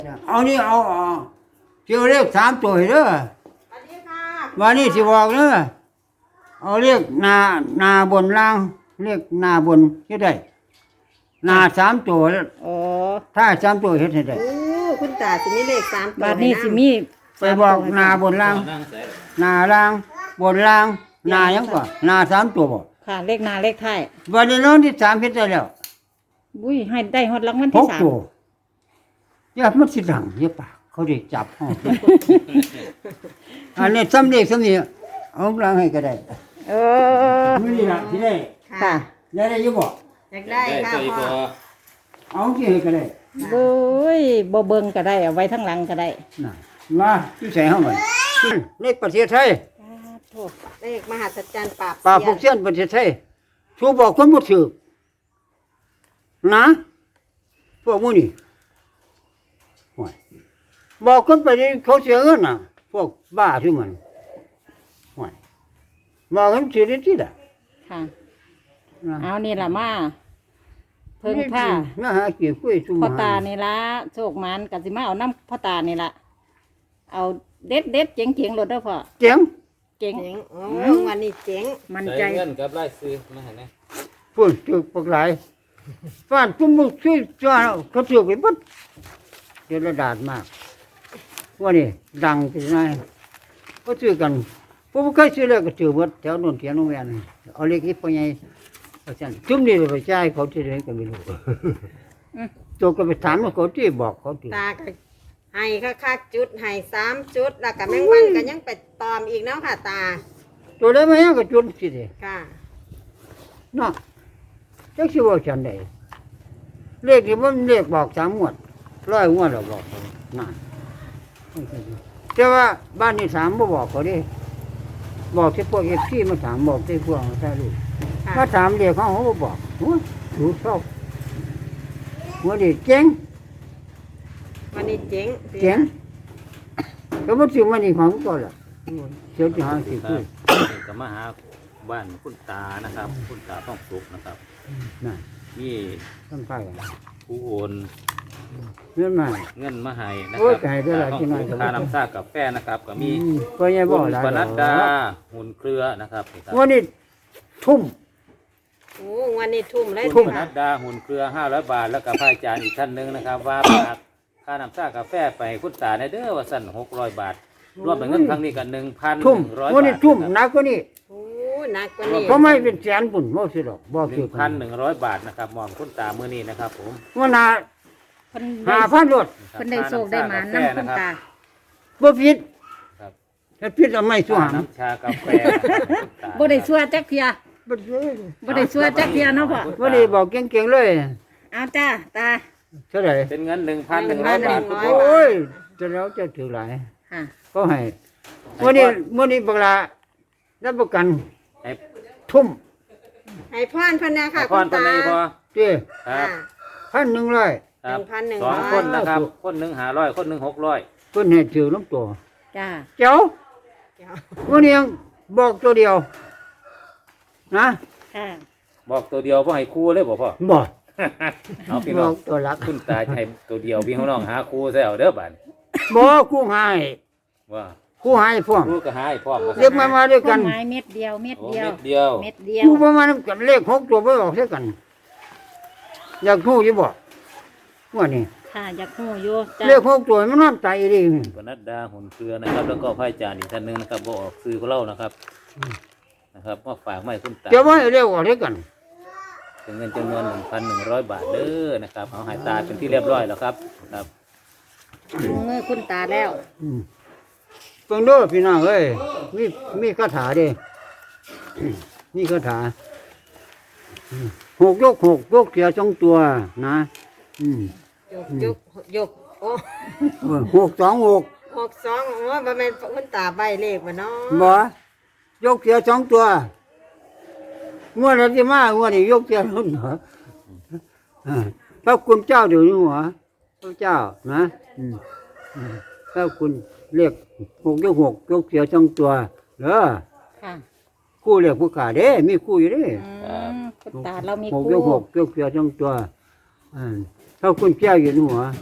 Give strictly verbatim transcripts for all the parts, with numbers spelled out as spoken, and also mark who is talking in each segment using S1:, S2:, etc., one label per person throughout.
S1: เอานี่เอาเอาเที่ยวเลขสามตัวเด้อ
S2: สวัสดีค่ะ
S1: วันนี้สิบอกเด้อเอาเลขหน้าหน้าบนล่างเลขหน้าบนเฮ็ดได้หน้าสามตัว
S3: อ๋อ
S1: ถ้าสามตัวเฮ็ดให้ได้
S2: โอ้คุณตาจะมีเลขสามตัว
S3: บาดนี้สิมี
S1: ไปบอกหน้าบนล่างหน้าล่างบนล่างหน้าหยังกว่าหน้าสามตัวบ่
S3: ค่ะเลขหน้าเลขท้าย
S1: วันนี้น้องที่สามเฮ็ดได้แล้ว
S3: อุ้ยให้ได้ฮอดรางวัล
S1: ห
S3: ที่
S1: ก
S3: สาม
S1: ตัวอย่ามันสิดังอย่าปากเขาได้จับห้อง อันนี้ซ้ำเลขซ้ำนี่เอาล่างให้ก็ได้
S3: เออ
S1: มื้อนี้ล่ะสิได้
S3: ค่ะ
S1: ได้ได้อยู่บ่
S2: อยากได้ค่ะพ่อ
S1: เอาที่ให้ก็ได้
S3: เบ้ยบ่เบิ่งก็ได้เอาไว้ทั้งหลังก็ได้
S1: น่ะมาที่ใส่เฮามันในประเทศไทย
S3: โทษ
S2: เลขมหัศจรรย์ปราบ
S1: ป่าพวกเสี้ยนประเทศไทยชูบอกคนบ่ถือนะพวกมื้อนี้โอ้ยบอกคนไปนี่เขาเสียเงินน่ะ พวกบ้าที่มันโอ้ยบอกกันสิได้ที่ล่ะ
S3: ค่ะ
S1: นะ
S3: เอานี่ล่ะมาเพิ่งผ้า
S1: มาหาเกี่ยวคุยซุ่ม
S3: พ่อ
S1: หา
S3: ตานี่ละโชคมันก็สิมาเอาน้ำพ่อตานี่ละเอาเด็ดเด็ดๆเจ๋งเจ๋งๆรถเด้อพ่อ
S1: เจ๋ง
S3: เจ๋ง
S2: เจ๋งโอ้วันนี้เจ๋ง
S3: มันใจ
S4: ใส่เงินกับรายซื้อมาให้นะ
S1: พุ่นถือปากหลายฟ้านจุ่มมือช่วยจ้าเขาถือไปเบิดเดี๋ยวระดาดมากว่านี่ดังที่ไหนก็ซื้อกันพวกเคยซื้อเลยก็ถือเบิดแถวโนนแถวโรงแรมเอาเล็กอีกไปไงเอาฉันจุ่มนี่เลยไปจ่ายเขาที่ไหนก็ไม่รู้ตัวก็ไปถามว่าเขาที่บอกเขาที่
S2: ตาก็ให้คักๆจุดให้สามจุดแล้วก็แมงวันก็ยังไปตอมอีกเนาะค่ะตา
S1: ตัวได้ไหมก็จุ่มสิเด้
S2: ค่ะ
S1: เนาะจักสิว่าฉันได้เลขที่มันเลขบอกสามงวดร้อยงวดเราบอกนั่นแต่ว่าบ้านนี้สามบ่บอกเขาดิบอกที่พวกเอฟซีมาถามบอกที่พวกมาใช่ลูก
S2: ค่ะ
S1: มาถามเรียกเขาเขาก็บอกโอ้ยถูกชอบหัวดีเจ๋ง
S2: วันนี้เจ๋ง
S1: เจ๋งก็มันสิมันนี่ของตัวละเสียวจะหาสิ
S4: ค
S1: คุ
S4: รั
S1: ย
S4: บก็มาหาบ้านคุณตานะครับ คุณตาต้องสุกนะครับ
S1: นั่น
S4: นี่
S1: ต้นไฟกัน
S4: ผู้โอน
S1: เรื่องใหม่
S4: เงินมาให้นะค
S1: โอ้
S4: รั
S1: ยจ่ายได้หลายที่
S4: ต้อง
S1: น้อย
S4: สุกค่าน้ำชากาแฟนะครับ ก็มี
S1: อืมก็ยังบ
S4: คุ
S1: อก
S4: ณ
S1: หลาย
S4: ปนัดดา
S1: ดอก
S4: หุ่นเครือนะครับนี่ครับ
S1: วันนี้ทุ่ม
S2: โอ้วันนี้ทุ่มเลย
S1: ทุ่
S4: คุณ
S1: ม
S4: ปนั
S2: ค่ะ
S4: ดดาหุ่นเครือห้าร้อยบาทแล้วก็พระอาจารย์อีกท่านหนึ่งนะครับ ว่าฝากค่าน้ำชากาแฟไปให้คุณตาในเด้อว่าสั่นหกร้อยบาท รวมเป็นเงินครั้งนี้กันหนึ่งพัน
S1: ทุ่ม
S4: ร้อย
S1: วัน
S4: บา
S1: นี้
S4: ท
S1: ทุ่มห
S4: นะ
S1: นักกว่านี้
S2: โอ้หนักกว่านี้
S1: เพราะไม่เป็นแสนปุ่นบ่สิดอกบอก
S4: ห
S1: คื
S4: นึ่
S1: อง กั
S4: พั
S1: น
S4: นหนึ่งร้อยบาทนะครับมอมคุณตามือนี้นะครับผม
S1: ว่านา
S3: เพิ่น
S1: หา
S3: ได้
S1: พันรถ
S3: เพิ่นได้โชคได้หมาน้ำคุณตา
S1: บ่ผิด
S4: ครับ
S1: ถ้าผิดเอาไม่สู้หาม
S4: น้ำชากาแฟ
S3: บ่ได้ชั่วจักเทีย
S1: บ่ได้
S3: บ่ได้ชั่วจักเทียเนาะพ่อ
S1: บ่ได้บอกเก่งๆเลย
S3: เอาจ้าตา
S1: เท่าไหร่
S4: เป็นเงินหนึ่งพันหนึ่งร้อยบาทคุณ
S1: โอ
S4: พ่อ้
S1: ยจะแล้วจะถือหลาย
S3: ค่ะ
S1: ก็ให้วันนี้วันนี้บักลารับประกัน
S4: ให้
S1: ทุ่ม
S2: ให้พรเพันนะค่ะ
S4: ให้พ
S2: คุ
S4: ร
S2: ณ
S4: ตอน
S2: ตา
S4: นี้พอ
S1: เจ้
S4: ครับ
S1: พันหนึ่งร้อย
S4: ครับ
S2: หนึ่งพันหนึ่ง
S4: ส
S2: ร้
S4: อ
S2: อย
S4: งคนนะครับ คนหนึ่งหาร้อยคนหนึ่งหกร้อย
S1: เพิ่นให้ถือน้ำตัว
S3: จ้า
S1: เจ้าวันนี้ยังบอกตัวเดียว นะ
S3: ค่ะ
S4: บอกตัวเดียวพ่อให้ครูเลยบอกพ่อ
S1: บอก
S4: เอาพี่
S1: บ
S4: น้อ
S1: อง กตัวหลัก
S4: คุณตาให้ตัวเดียวพี่น้องหาครูใส่เอาเด้อบ้าน
S1: บอกคู่หาย
S4: ว่า
S1: คู่หายพวก
S4: ครูก็หาให้พ่อมา
S1: เรียกมามาด้วย
S3: ต้
S1: กัน
S3: นไม้เม็ดเดียวเม็ด
S4: โอ้
S3: เดียว
S4: เม็ดเดียว
S3: เม็ดเดียว
S1: คู่ประมาณกันเลขหกตัวไปออกเสียกัน อยากคู่อยู่บอกว่านี่
S3: ค่ะอยากฮู้อยู่จ้า
S1: เลขหกตัวมันนอนตายดี
S4: ปนัดดาหุ่นเครือนะครับ แล้วก็พระอาจารย์อีกท่านหนึ่งนะครับบอกออกซื้อของเรานะครับนะครับมาฝากมาให้คุณตา
S1: เจ้าว่าเรียกออกเสียกัน
S4: เป็นเงินจำนวนหนึ่งพันหนึ่งร้อยบาทเด้อนะครับเอาใหายตาเป็นที่เรียบร้อยแล้วครับครับ
S3: ลงมือคุณตาแล้ว
S1: อืมเพิ่งดูพี่น้องเอ้ยมีมีคาถาเดิ มีคาถาอืมหกยกหกยกเสียสองตัวนะอืม
S2: ยกยกยกโอ้
S1: เออหกสองหก
S2: หกสองโอ้บ่แม่นคุณตาใบเลขบ่เนาะ
S1: บ่ยกเสียสองตัวงวดอะไรมางวดนี้ยกเสียรุ่นเหรออ่าพระคุณเจ้าเดี๋ยวนี้หัวพระเจ้านะอืมอืมพระคุณเรียกหกยกหกยกเสียสองตัวเด้อ
S3: ค่ะ
S1: คู่เรียกผู้ขาเด้มีคู่อยู่เด้
S3: อืมคุณตาเรามี
S1: หก
S3: คู่
S1: ยกหกยกเสียสองตัวอ่าพระคุณเจ้าอยู่ในหัว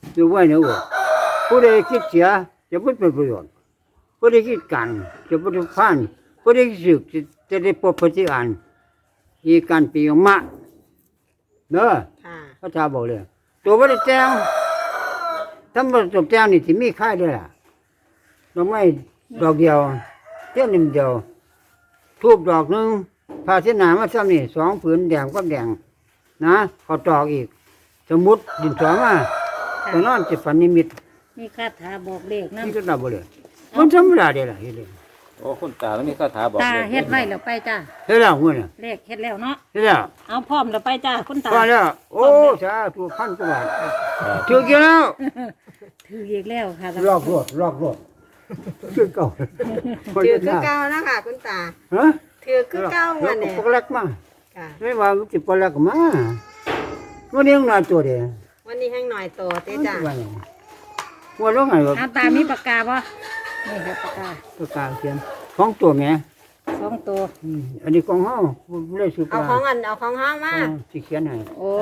S1: อยู่ไว้เนาะผู้ใดคิดเสียจะไม่เป็นประโยชน์ผู้ใดคิดกันจะไม่ได้ผ่านผู้ใดคิดสึกจะได้พบปฏิอันอีการปีออกมาเนาะ
S2: ค่ะ
S1: พระเจ้าบอกเลยตัวบ่ได้แจ้งถ้าบ่จบแจ้งนี่สิมีค่ายด้วยล่ะดอกไม้ดอกเดียวเทียนนิดเดียวทูบดอกหนึงผ้าเส้นหนามาซ้ำนี่สองผืนแดงกับแดงนะขอตอกอีก สมุดดินสอมาแต่นอนจะฝันนิมิต
S3: มีคาถาบอกเลขนำ
S1: นี่ก็ดับบ่เลยมันธรรมดาเด้ล่ะเฮ็ดเลย
S4: โอ้คุณตาแล้วมีคาถาบอก
S3: ตา
S4: ลข
S3: เฮ็ดไว้แล้วไปจ้า
S1: เฮ็ดแล้วมื้อน่ะ
S3: เลขเฮ็ดแล้วเนาะ
S1: เฮ็ดแล้ว
S3: เอาพร้อมแล้วไปจ้าคุณตา
S1: พอแล้วโอ้สาธุพันกว่าบาท
S4: ครับ
S1: ถูกอยู่แล้ว
S3: ถืออีกแล้วค่ะ
S1: ลอกรถลอกรถคือเก่า
S2: ถือคือเก่านะคะคุณตา
S1: ฮะ
S2: ถือคือเก่า
S1: แล้
S2: วั
S1: วน ก็
S2: เนี่ย
S1: ปกเล็กมา
S2: ค่ะ
S1: ไม่ว่ามันสิปกเล็กมาวันนี้ยังน้อยตัวเดียว
S2: วันนี้แห้งหน่อยโตเต้จ้า
S1: ว่าไงว่าลงไงว่า
S3: เอาตามีปากกาบ่นี่ครับปากกา
S1: ประกาศเขียนของตัวแม่
S3: สองตัว
S1: อืมอันนี้ของเฮาบ่ได้สุ
S2: เอาของอันเอาของห้องมา
S1: เอาสิเขียนให้
S3: โอ้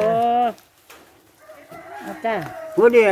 S3: เอาจ้า
S1: วันนี้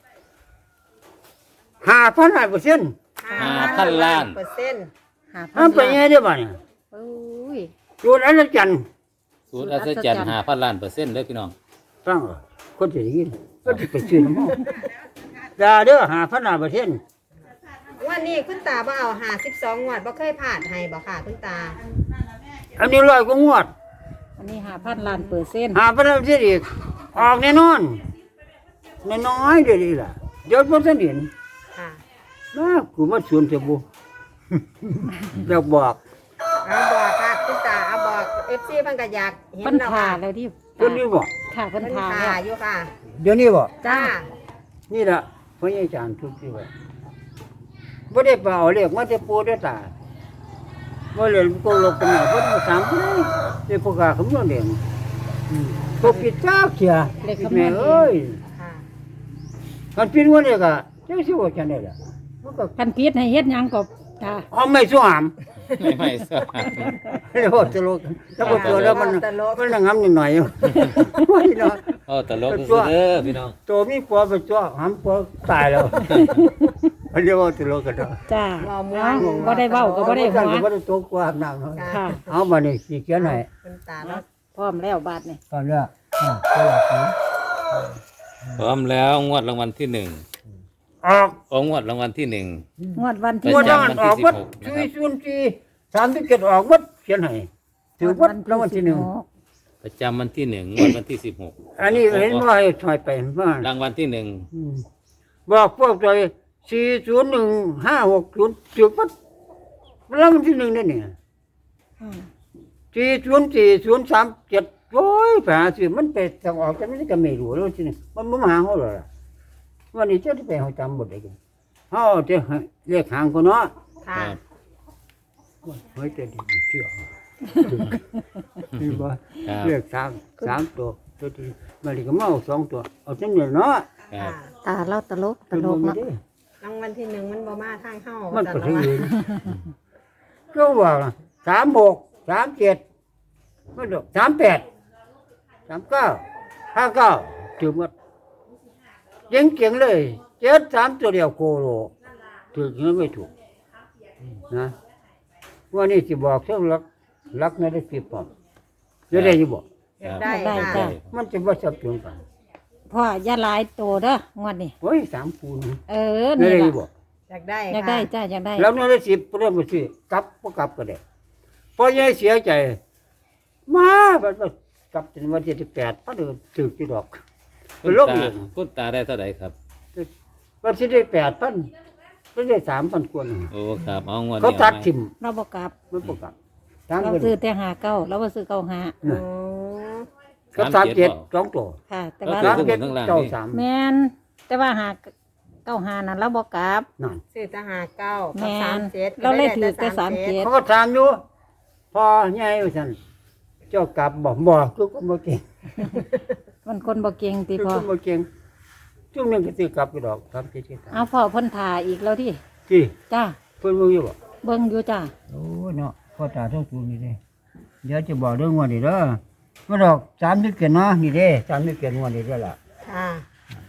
S1: ห้าพันห้าเปอร์เซ็นต์
S4: ห้าพันล้าน
S2: เปอร์เซ็นต์
S3: หาพั
S1: ห้าน ไปยังไงเด้อบ่เนี่ย
S3: โอ้ย
S1: สูตรอัศจรรย์
S4: สูตรอัศจรรย์ห้าพันล้านเปอร์เซ็นต์เลยพี่น้อง
S1: ฟังเหรอคนสิได้ยินก็สิไปซื้อน้ำเฮาด่าเด้อห้าพันห้าเปอร์เซ็นต์
S2: วันนี้คุณตาบ่เอาหาสิบสองงวดบ่เคยผ่านให้บ่ค่ะคุณตา
S1: อันนี้ร้อยกว่างวด
S3: อันนี้หาพันล้านเปอร์เซ็นต์
S1: หาพันห้าเปอร์เซ็นต์อีกออกแน่นอนน้อยๆเด้อนี่ล่ะเดี๋ยวบ่ทันเห็น
S2: ค่ะ
S1: นะกูมาสวนเสบู่ เดี๋ยวบอก
S2: เอาบอกค่ะคุณตาเอาบอก เอฟ ซี เพิ่นก็อยากเห็น
S3: เพิ่น
S2: แล้ว
S3: ทา
S2: ค่ะ
S3: แล้วที่
S1: เดี๋ยวนี้บอก
S3: ค่ะเพิ่น
S2: เพิ่น
S3: ทา
S2: ทา
S3: แล้ว
S2: อยู่ค่ะ
S1: เดี๋ยวนี้บอก
S2: จ้า
S1: นี่ละพ่อใหญ่จานทุกที่ว่าบ่ได้ไปเอาเรียกมาแต่ปูได้ตาบ่เลยกูลบกันหน่อยเพิ่นมาสามคนเลยเดี๋ยวพวกกาคำนวณเองอืมตัวปิดจ้าเสียแม่เอ้ย
S2: ค่ะ
S1: กันปิดวันนี้ก็จังสิว่าจังได๋ล่ะมันก็
S3: คันพิษให้เฮ็ดหยังก็จ้า
S1: เอาไม่สู้หาม
S4: ไม่ไม่ทราบ
S1: แล้วบ่ตลกแล้วบ่ตัวแล้วมันมันระงับนิดหน่อยอยู่ โอ้ยเนาะ
S4: โอ้ตลกสุดๆเด้อพี่น้อง
S1: ตัวมีปัวไปจ้วหามปัวตายแล้ว มันเรียกว่าตลกกันเนาะ
S3: จ้า
S2: บ่ม่ว
S3: เอา
S2: น
S3: บ่ได้เว้าก็บ่ได้หัว
S1: บ่ได้ตัวกว่าน้ำเนาะ
S3: ค่ะ
S1: เอามานี่สิเขียนให้
S2: คุณตาแล้ว
S3: พร้อมแล้วบาดนี่
S1: ตอนเนี้ยอ่าตลาดนี้
S4: พร้อมแล้วงวดรางวัลที่หนึ่ง
S1: ออก
S4: โอ้งวดรางวัลที่หนึ่ง
S3: งวดวัน
S4: ป
S3: ที่
S1: งวด
S4: ระ
S1: นั้น
S4: จำ
S1: ออกวัด
S4: วันที่
S1: สี่
S4: สิบหกนะครับ
S1: ศูนย์สี่สามสิบเจ็ดออกวัดเขียนให้ถือวัดรางวัลที่หนึ่ง
S4: ประจำวันที่หนึ่งงวดวันที่สิบหก
S1: อันนี้เห็นว่าให้ถอยไปมาร
S4: างวัลที่หนึ่ง
S1: อืมบอกพวกใจสี่ศูนย์หนึ่งห้าหกศูนย์ถือวัดรางวัลที่หนึ่งนั่นเนี่ย
S3: อืม
S1: สี่ศูนย์สี่ศูนย์สามเจ็ดโอ้ยไปหาซื้อมันไปทางออกแต่ไม่ได้ก็ไม่รู้แล้วทีนี้มันบ่มาหาเขาหรอกล่ะวันนี้เจ้าที่ไปเขาจำหมดเลยกันเขาจะเรียกหางคนเนาะ
S2: ค่ะ
S1: เฮ้ยจะดีเชื่อนี่บ่
S4: ครับ
S1: เรียกสามสามตัวตัวที่มาลีก็มาเอาสองตัวเอาจังเนี่ยเนาะ
S4: ครั
S2: ค่ะ
S4: บ
S3: ตาเราตลกต
S1: เป็น
S3: ล
S1: บ่
S3: ก
S1: มี
S3: เนาะ
S1: เด้
S2: รางวัลที่หนึ่งมันบ่มาทางเฮา
S1: มัน
S2: แต่
S1: ก็
S2: ละ
S1: ถึง
S2: วัน
S1: อยู่ก็ว่าสามหกสามเจ็ดมันดอกสามแปดสามเก้าห้าเก้าถือหมดเจ๋งเจ๋งๆเลยเจ็ดสามตัวเดียวโคโลถือเงินไม่ถูกนะวันนี้สิบอกเท่ารักรักไม่ได้สิบปอมจะได้อยิบอก
S2: อยากได้
S3: ได้
S2: ค่ะ
S3: จ้ะ
S1: มันจะว่าสับสนกัน
S3: พ่ออย่าหลายโตเด้องวดนี้
S1: โอ้ยสามคูณ
S3: เออ
S1: ไม่
S3: นี่
S1: ได้อ
S3: ล่ะ
S1: ยิบอก
S2: อยากได้
S3: อยาก
S2: ค่ะ
S3: ได้จ้าอยากได้
S1: แล้วนั่นได้สิบเริ่มมาซื้อกลับก็กลับก็ได้พอยายเสียใจ มาบัดบัดกลับจนวันที่สิบแปดพอเดินถือกี่ดอก
S4: คุ
S1: เป็น
S4: ณ
S1: โรค
S4: ตา
S1: อยู่
S4: คุณตาได้เท่าไหร่ครับ
S1: วันที่ได้แปดพันก็ได้สามพันกว่าหนึ่ง
S4: โอ้ครับเอางวด
S1: เขา
S4: นี้
S1: ตั
S4: เอา
S1: ด
S4: ไหม
S1: ทิม
S3: เราบ่กลับ
S1: มันประกลับตาม
S3: เรา
S1: กัน
S3: ซื้อแต่หาเก้าเราบ่ซื้อเก้าหา
S2: โอ้
S1: ก็สามเจ็ดสองตัว
S3: ค่ะ แต่
S4: ก็
S3: ว่า
S4: คือ
S1: สาม
S4: ทั้งบ
S1: เจ็ด
S4: นทั้งล่าง
S1: เจ้า
S4: นี่
S1: สาม
S3: แม่นแต่ว่าหาเก้าหานั้นเราบ่กลับ
S1: นั่น
S2: ซื้อทหารเก้า
S3: แม่
S2: กับสาม
S3: น
S2: เจ็ด
S3: เราเลยถือแต่สามเจ็ด
S1: เขาก็ถามอยู่พอใหญ่ว่าซั่นเจ้ากลับบอกบอกทุกคนบ่เก่ง
S3: มันคนบ่เก่งติ
S1: ทุก
S3: พ่อ
S1: คนบ่เก่งช่วงนึงก็สิกลับไปดอกสามเจ็ดเจ็ดสาม
S3: เอาพ่อเพิ่นทาอีกแล้วที่
S1: ที่
S3: จ้า
S1: เพิ่นบ่อยู่บ่
S3: เบิ่งอยู่จ้า
S1: โอ้ยเนาะพ่อตาต้องตูนี่เด้เดี๋ยวจะบอกเรื่องงวันนี้เด้อมาดอกสามนึกเกินเนาะนี่เด้สามนึกเกินงวันนี้เด้อล่ะ
S2: ค่ะ
S1: ง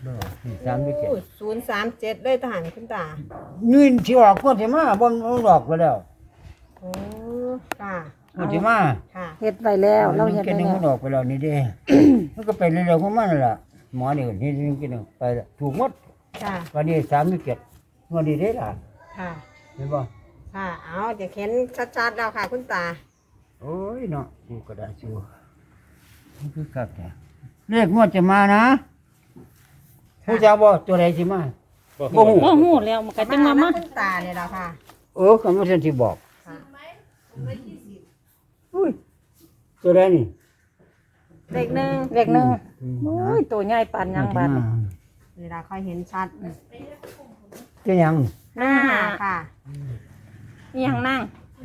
S1: บ่นี่สามหรือเจ็ด
S2: ศูนย์สามเจ็ดเลยทหารคุณตา
S1: นี่สิออกก็สิมาบ่มันหลอกไปแล้ว
S2: โอ้ค่ะ
S1: ก็สิมา
S2: ค่ะ
S3: เฮ็ดไว้แล้วเรา
S1: มัน
S3: เฮ็ด
S1: กิน
S3: ไว้
S1: นึง
S3: แล้
S1: มัน
S3: ว
S1: ออกไปแล้วนี่เด้ มันก็ไปเรื่อยๆของมันนั่นล่ะหมอนี่นี่นี่กินนึงไปแล้วถูกหมด
S2: ค่ะ
S1: วันนี้สามหรือเจ็ดวันนี้ได้ล่ะ
S2: ค่ะ
S1: เห็นบ่
S2: ค่ะเอาจะเข็นชัดๆแล้วค่ะ คุณตา
S1: โอ้ยเนาะดูกระดาษชูมันคือคักแท้เลขงวดจะมานะผู้จะบ่ตัวใดสิมา บ่ฮู้
S3: บ่ฮู้แล้วมันก็จังมามา
S2: คุณตาเนี่ยแหละค่ะ
S1: เออก็มันสิบอก
S2: ค่ะ
S1: อุ้ยตัวใดนี่
S2: เลขหนึ่ง
S3: เลขหนึ่ง
S1: อืม
S3: โอ้ยตัวใหญ่ปานยังบาดนี่
S2: เวลาค่อยเห็นชัด
S1: จะยัง
S3: หนึ่งห้า
S2: ค่ะ
S3: อีหยังนั่ง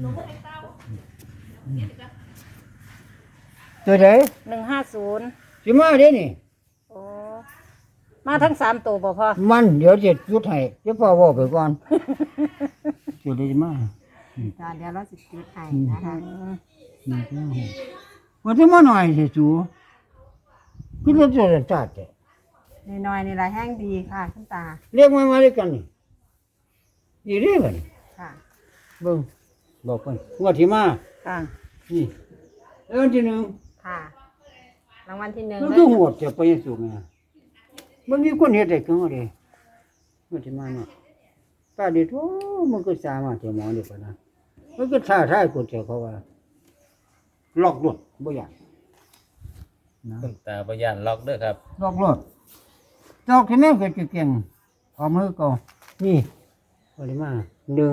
S1: ตัวใด
S3: หนึ่งห้าศูนย์
S1: สิมาเด้นี่
S3: โอ้มาทั้งสามตัวบ่พอ
S1: มันเดี๋ยวจะจุดให้เดี๋ยวพ่อเว้าไปก่อนตัวใดสิมา
S2: จ้าเดี๋ยวเราสิจุดให้นะคะ
S3: อืม
S1: นี่เจ้าว่าจะมาหน่อยสิจูคือเราจะจัดแต่
S2: น้อยๆนี่ละแห้งดีค่ะคุณตา
S1: เรียกมามาด้วยกันนี่นี่เรียกกัน
S2: ค่ะ
S1: เบิ่งบอกเพิ่นงวดที่มา
S3: ค่ะ
S1: นี่แล้ววันที่หนึ่ง
S2: ค่ะ รางวัลที่หนึ่ง
S1: มัน
S2: เล
S1: คือย โหดจะไปยังสูงไงมันมีคนเฮ็ดได้กันว่าเด้งวดที่มาเนาะป้าดิโธ่มันก็สามารถจะหมอนี่ปะนะมันก็ท้าทายคนเจ้าเขาว่าล็อกรถบ่อยากนะ
S4: คุณตาพยานล็อกเด้อครับ
S1: ล็อกรถจอกที่แม่ก็จะเก่งเอามือก่อนนี่ปริมาหนึ่ง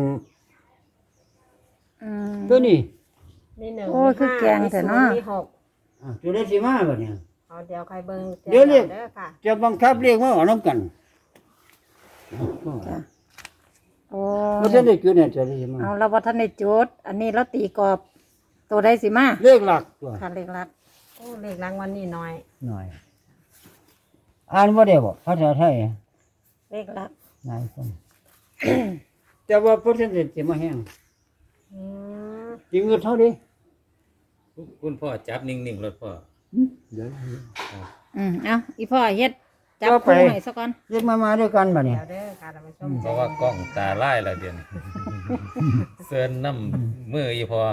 S3: อืม
S1: ตัวนี้
S2: มีหนึ่ง
S3: โอ้ยคือแกงแต่เนาะ
S2: มีหก
S1: อ่ะตัวได้สิมาบ่เนี่ย
S2: เอาเดี๋ยวใครเบิ่ง
S1: เดี๋ยวเรียก
S2: เด้อค่ะ
S1: จะบังคับเรียกมาเอาน้ำกัน
S3: จ้ะโอ้
S1: บ่ทันได้จุดเนี่ยจะได้สิมา
S3: เอาเราบ่ทันได้จุด อันนี้เราตีกรอบตัวใดสิมา
S1: เรียกหลักตัว
S3: ค่ะเลขลัด
S2: โอ้เลขรางวัลนี่น้อย
S1: หน่อยอ่านบ่ได้บ่ภาษาไทย
S3: เลขลัด
S1: นายคนแต่ว่าเปอร์เซ็นต์สิมาแห้ง
S2: อืม
S1: จริงก็เท่านี้
S4: คุณพ่อจับนิ่งๆรถพ่อ
S1: เดี๋ยว
S3: อืมเอาอีพ่อเฮ็ดจับ
S1: ก็ไป
S3: คู่ให้ซะก่อน
S1: เรียกมามาด้วยกันบ่เนี่
S2: เดี๋
S1: ย
S2: ยวเด้อค่ะท่านผู้ชม
S4: เพราะว่ากล้องตาไล่ละเดือนเซินน้ำมืออีพอ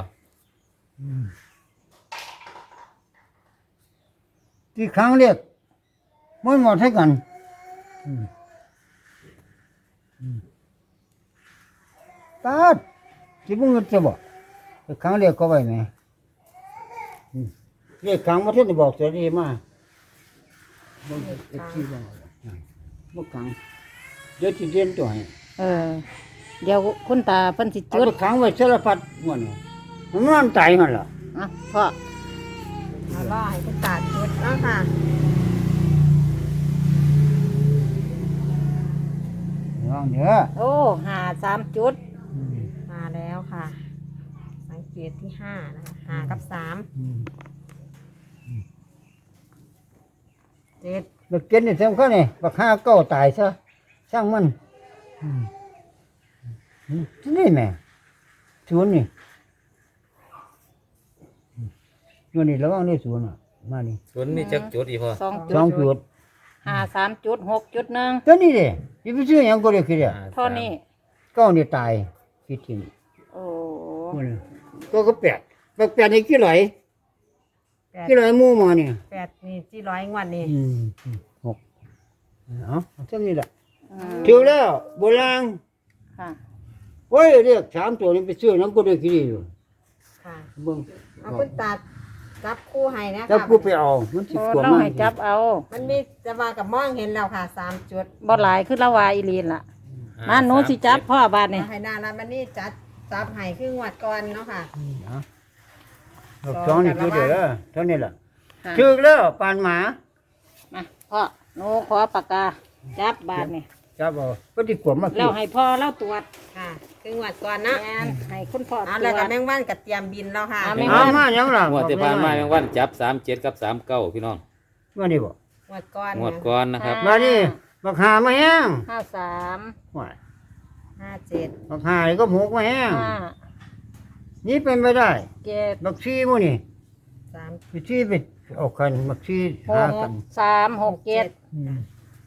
S1: ที่ครั้งเรียกมันหมดให้กันอืมอืมตาดสิบ่เงินจะบอกที่ครั้งเรียกก็ไว้ไหมอืมเรียกครั้งมาเท่านี้บอกจะดีมากบ่เอ็ดที่บ่บ่ครั้งเดี๋ยวสิเรียนตัวให้
S3: เออ เดี๋ยวคุณตาเพิ่นสิ
S1: เอา
S3: จุด
S1: ไปขังไว้สารพัดม่วนนี่มันนอนตายหั่นล่ะ
S3: อ่ะพ่อ
S2: เอาล่อให้คุณตาจุดเนาะค่ะ
S1: ลองเด้อ
S3: โอ้หาสามจุด
S1: อืม
S2: มาแล้วค่ะ สังเกตที่ห้านะคะห้ากับสาม
S1: อืม
S2: เจ็ด
S1: แล้วเก็นนี่สำคัญนี่บักหาเก้าตายซะช่างมันอืมอืมนี่แม่สวนนี่อืมอยู่นี่ระวังนี่สวนอ่ะมานี่
S4: ส่วนนี้จักจุดอีพอ
S3: สอง
S1: สอง
S3: จุ
S1: จุ
S3: ด
S1: ด
S3: หาสามจุดหกจุดหนึ่ง
S1: ตัวนี้เด้สิไปซื้อหยังก็ได้คือเด้อ
S3: เท่านี้
S1: เก้านี่ตายคิดถึง
S3: โอ้
S1: พุ่นน่ะตัวก็แปดบักแปดนี่กี่ไหล
S2: แปด
S1: กี่ไหลหมู่มานี่
S2: แปดนี่ที่ร้อยงวดนี่
S1: อืมหกเอาเท่านี้แหละ
S3: อืม
S1: ถือแล้วโบราณ
S3: ค่ะ
S1: โอ้ยเรียกสามตัวนี้ไปซื้อน้ำก็ได้กี่ดีอยู่
S2: ค่ะ
S1: เบิ่ง
S2: เอาคุณตาจับคู่ให้นะ
S1: แล้ว
S2: คะ
S1: กูไปเอามันสิ
S3: โอ้
S1: กลัว
S3: เรา
S1: มาก
S3: ให้จับเอา
S2: มันมีจะมากับมองเห็นแล้วค่ะสามจุด
S3: บ่หลายคือละวาอีหลีนล่ะมาหนูสิจับพ่อบาดนี่
S2: เอาให้นาแล้วมันนี่จัดจับให้ครึ่งวัดก่อนเนาะค่ะ
S1: เอาดอกสองนี่คือเดียวแล้วเท่านี้แหละ
S3: ค่ะ
S1: ถือแล้วปานหมา
S3: มาพ่อหนูขอปากกาจับบาดนี่
S1: จับเอาก็สิกลัวมาก
S3: แล้วให้พ่อเล่าตรวจ
S2: ค่ะครึ่งวัดก่อนนะ
S3: แม่นให้คุณพ่อต
S2: เอา
S3: ร
S2: แล้ว
S3: ว
S2: กับ
S3: จ
S2: แมงวันกับเตรียมบินแล้วค่ะ
S3: เอาแม่
S1: เอามาหยังล่ะ
S4: งวดที่ผ่านมาแมงวันจับสามเจ็ดกับสามเก้าพี่น้อง
S1: ว่านี่บ่
S2: งวดก่อน
S4: งวดก่อนนะครับ
S1: มานี่บักหามาแห้ง
S3: ห้าสาม
S1: ว่า
S2: ห้าเจ็ด
S1: บักหานี่ก็หกมาแห้ง
S3: ห้า
S1: นี่เป็นไปได้
S3: เจ็ด
S1: บักชีหมู่นี่
S2: สาม
S1: ไปชีไปเอากันบักชี
S3: ห
S1: หาก กัน
S3: สามหกเจ็ด
S1: อืม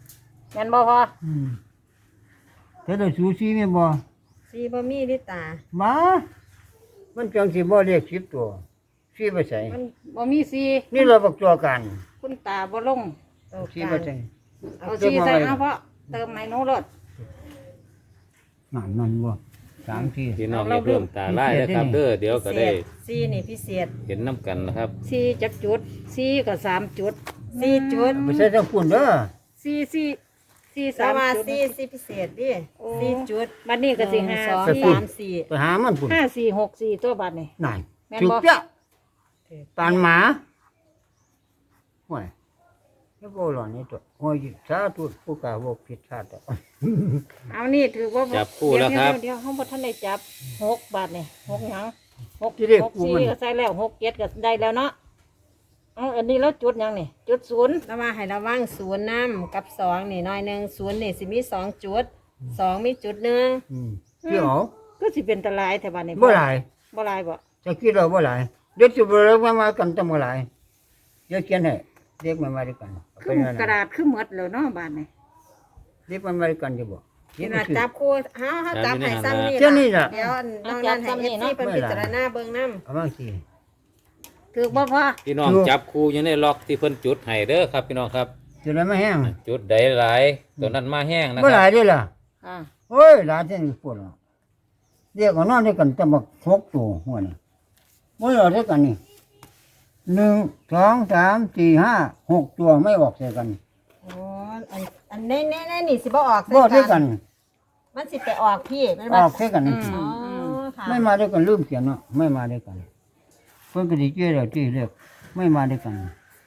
S3: แม่นบ่พอ
S1: อืมแต่ได้สูสีแม่นบ่
S2: สีบ่มีดิตา
S1: มามันจังสิบ่เรียกสิบตัวสีไปใส่
S3: มันบ่มีสี
S1: นี่เราบักตัวกัน
S3: คุณตาบ่ลง
S2: โตก
S1: สี
S2: ลา
S1: ไป
S2: ง
S1: ใส่
S3: เอาสีใส่เอาเพราะเติมให้หนูรถ
S1: นั่นนั่นบ่สามที
S4: พี่น้องอย่าเพิ่มตาไล่นะครับเด้อเดี๋ยวก็
S2: พิเศ
S4: ได้
S2: ษสีนี่พิเศษ
S4: เห็นน้ำกันนะครับ
S3: สีจักจุดสีก็สามจุด
S2: สี่จุด
S1: ไปใส่ทั้งปุ่นเด้อ
S3: สีสีสี
S2: สา
S3: สาม
S2: มา
S3: จุด
S2: สี่สี่พิเศษดิ
S3: โอ้
S2: สี่จุด
S3: บัดนี้ก็สิห้า
S2: สอง
S3: สี่
S2: สามสี่
S1: ไปหามันปุ่น
S3: ห้าสี่หกสี่ตัวบัดนี่
S1: นั่น
S3: แม่น
S1: จุก
S3: บ่
S1: เจ้าปานหมาห่วยแล้วก็หล่อนนี่ตัวห่วยสาธุผู้กล้าบ่ผิดชาติอ่ะ
S3: เอานี่ถือว่า
S4: จับคู่แล้วครับ
S3: เดี๋ยวเดี๋ยวเดี๋ยวเฮาบ่ทันได้จับหกบาทนี่หกหยังหก
S1: ที่เรียก
S3: หก
S1: กู
S3: สี่
S1: มัน
S3: ก็ใส่แล้วหกเจ็ดก็ได้แล้วเนาะเอาอันนี้แล้วจุดหยังนี่จุดศูนย์
S2: แล้วมาให้ระวังศูนย์น้ำกับสองนี่น้อยหนึ่งศูนย์นี่สิมีสองจุดสองมีจุดหนึ่ง
S1: อืมเดี๋ยว
S3: ก็สิเป็นตะลายแต่บัดนี้
S1: บ่หลาย
S3: บ่หลายบ่
S1: จะคิดเราบ่หลายเดี๋ยวสิบ่เลิกมามากันตำบ่หลายเดี๋ยวเขียนให้เด็กมามาด้วยกันเอา
S3: คื
S1: ไป
S3: อ
S1: นั่น
S3: กระ
S1: น่ะ
S3: ดาษคือหมดแล้วเนาะบาดนี้
S1: เด็กมามาด้วยกันอยู่บ่
S2: เวลาจับคู่เฮาเฮาจับให้ซ้ำนี่
S1: เจ้านี่ล่ะ
S2: เดี๋ยวน้องนั้นให้เอฟซีเป็นพิจารณาเบิ่งน้ำ
S1: เอามาสิ
S3: ถือบ่พอ
S4: พี่น้อง
S1: ถูก
S4: จับคู่อยู่ในล็อกที่เพิ่นจุดให้เด้อครับพี่น้องครับ
S1: จะได้มาแห้ง
S4: จุดใดหลายตัวนั้นมาแห้งนะ
S1: บ่
S4: ค
S1: ห
S4: รั
S1: ลา
S4: บ
S1: ยเด้อล่ะ
S3: อ่า
S1: โอ้ยหลายจังปวดอ่ะเรียกเอานอนด้วยกันแต่บักหกตัวหัวนี่บ่เอาด้วยกันนี่หนึ่งสองสามสี่ห้าหกตัวไม่ออกใส่กัน
S2: โอ้อันอันนี้นี่นี่นี่สิบ่ออก
S1: บ่ด้วยกัน
S2: มันสิไปออกพี่แม่น
S1: อ
S2: บ่
S1: อกใส่กัน
S3: อื
S2: อ๋อ
S3: ม
S2: ค่ะ
S1: ไม่มาด้วยกันลืมเขียนเนาะไม่มาด้วยกันเพิ่นก็สิเจ้แล้วที่เรียกไม่มาด้วยกัน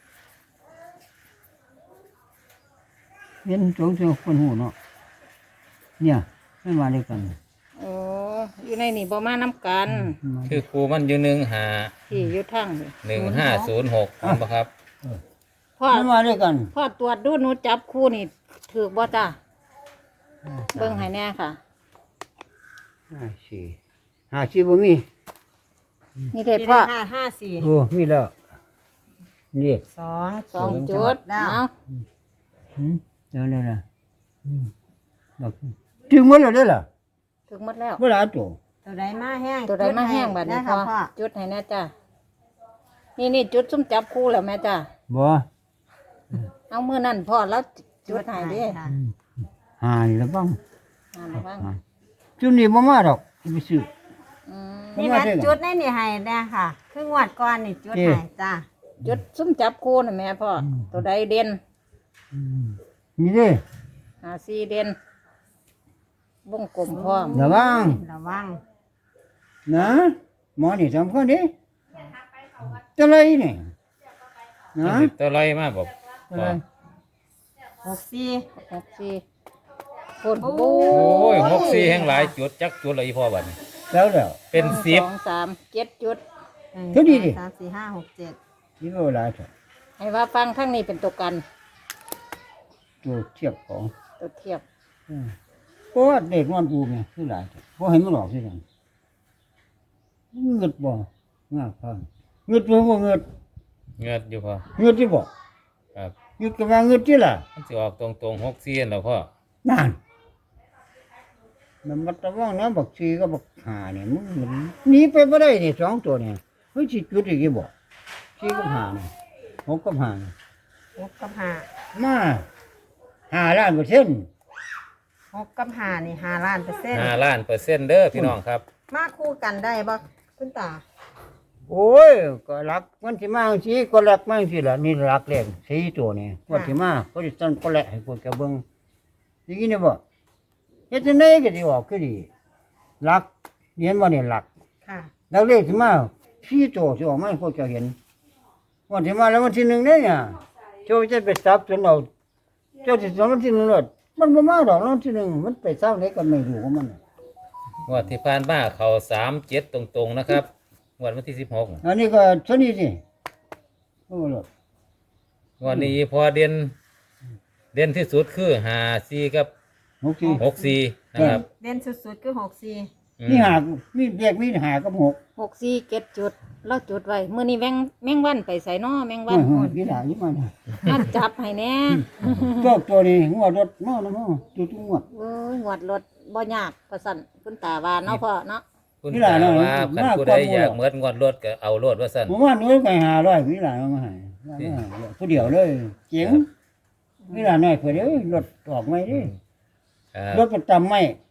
S1: เห็นสงสัยคนหูเนาะเนี่ยไม่มาด้วยกัน
S3: โอ้อยู่ในนี่บ่มานํกัน
S4: คือครูมันอยู่หนึ่งหา
S3: ที่อยู่ทางนี่
S4: หนึ่งห้าศูนย์หกครับ
S3: พ่อ
S1: ไม่มาด้วยกัน
S3: พ่อตรวจดูหนูจับคู่นี่ถูกบ่จ้าเบิ่งให้แน่ค่ะ
S1: ห้าสี่ห้าสี่บ่มี
S3: นี่เด็ด
S2: พี่
S3: พ่อ
S2: ได้ห้าห้าสี่
S1: โอ้มีแล้วนี่
S2: สอง
S3: สองจุด
S2: แล้ว
S3: เอา
S1: หืมเดี๋ยวเลยนะอืมดอกถึงหมดแล้วเด้อล่ะ
S3: ถึงหมดแล้ว
S1: บ่หลายตัว
S2: ตัวใดมาแห้ง
S3: ตัวใดมาแห้งบัดนี้
S2: ได้
S3: พ่
S2: ค่ะ
S3: อ
S2: พ่อ
S3: จุดให้แน่จ้านี่นี่จุดซุ่มจับคู่แล้วแม่จ้า
S1: บ่
S3: เอามือนั่นพ่อแล้วจุดให้เดิ
S2: ค่ะ
S1: หานี่ละบ้าง
S3: อ่าระวัง
S1: หาจุดนี้บ่มาดอกไปซื้อ
S3: อืม
S2: นี่มันจุดในนี่ให้นะค่ะครึ่งวัดก่อนนี่จุด
S1: เจ้
S2: ให้จ้า
S3: จุดซุ่มจับคู่น่ะแม่พ่ออตัวใดเด่น
S1: อืมนี่เด้
S3: หาสี่เด่นวงกลมพร้อม
S1: ระวัง
S2: ระวัง
S1: นะหมอนี่สำคัญเด้ตะไลนี่นะ
S4: ตัวไรมาบอก
S1: ตะไล
S2: หกสี่
S3: หกสี่คน
S2: โอ้
S3: โอ้
S4: โอ้ยหกสี่แห่งหลายจุดจักจุดเลยอีพ่อบัดนี้
S1: แล้วแล้ว
S4: เป็นสิบ
S3: สองสามเจ็ดจุด
S2: หนึ่ง
S1: เท่านี้ดิ
S2: สามสี่ห้าหกเจ็ด
S1: นี่บ่หลายเท่า
S3: ให้ว่าฟังข้างนี้เป็นตัวกัน
S1: ตัวเทียบของ
S3: ตัวเทียบ
S1: อืมเพราะว่าเด็กนอนอูไงคือหลายเท่าบ่ให้มันหลอกซิกันเงิดบ่งาพังเงิดบ่บ่เงิด
S4: เงือดอยู่พ่อ
S1: เงิดที่บ่
S4: ครับ
S1: เงิดก็ว่าเงิดที่ล่ะ
S4: มันสิออกตรงตรงหกสี่แล้วพ่อ
S1: นั่นมันมาตะว่างนะบักชีก็บักหาเนี่ยมึงมันหนีไปบ่ได้นี่สองตัวเนี่ยเฮ้ยสิจุดอีกอีบ่ชีกับหาเนี่ยหกกับหาเนี่ย
S2: หกกับห้า
S1: มาห้าล้านเปอร์เซ็นต์
S2: หกกับห้านี่ห้าล้านเปอร์เซ็นต์
S4: ห้าล้านเปอร์เซ็นต์เด้อพี่น้องครับ
S2: มาคู่กันได้บ่คุณตา
S1: โอ้ยก็รักมันสิมาสิก็รักมันสิล่ะนี่รักแรงสี่ตัวนี่ว่าสิมาก็สิต้นก็แหละให้พวกแกเบิ่งสิกินได้บ่เฮ็ดจังได๋ก็สิออกคือดีรักเห็นบ่นี่รัก
S2: ค่ะ
S1: แล้วเลขที่มาพี่โตสิออกมาให้พวกเจ้าเห็นวันที่มาแล้ววันที่หนึ่งเนี่ยเนี่ยเจ้าจะไปซับจนเอาเจ้าสิสอนวันที่หนึ่งเลยมันบ่มาดอกวันที่หนึ่งมันไปเศร้าไหนก็ไม่รู้ของมันน่ะ
S4: งวดที่ผ่านมาเขาสามเจ็ดตรงๆนะครับงวดวันที่สิบหก
S1: อันนี้ก็เท่านี้สิโอ้โห
S4: งวดนี้พอเด่นเด่นที่สุดคือห้าสี่กับ
S1: หกที
S4: หกสี่นะครับ
S2: เด่นสุดๆคือหกสี่
S4: ออืม
S1: มีหามีเรียกมีหากับหก
S3: หกสี่เจ็ดจุดเราจุดไว้มื้อนี้แมงแมงวันไปใส่น้อแมงวั
S1: โอ้
S3: น
S1: โหพี่หลานอยู่มัน
S3: มันจับให้แน่
S1: ตัวตัวนี้งวดรถเนาะนะมั้งตัวทุกงวด
S3: โอ้ยงวดรถบ่ยากประสันคุณตาว่าเนาะพ่อเนาะ
S4: คุณ
S1: นี่ล่ะ
S4: ตา
S1: เนาะ
S4: ว่าคัน
S1: มาก
S4: ผู้
S1: ก
S4: ใด
S1: ว่าหมู่
S4: อยากเหมือนงวดรถก็เอารถว่าซั่น
S1: ผมว่าหนูไปหาร้อยพี่หลานเอามาให้ผู้เดียวเลยเจ๋งพี่หลานน้อยเพิ่นเอ้ยรถออกไม่เด้
S4: ครับ
S1: รถประจำไม่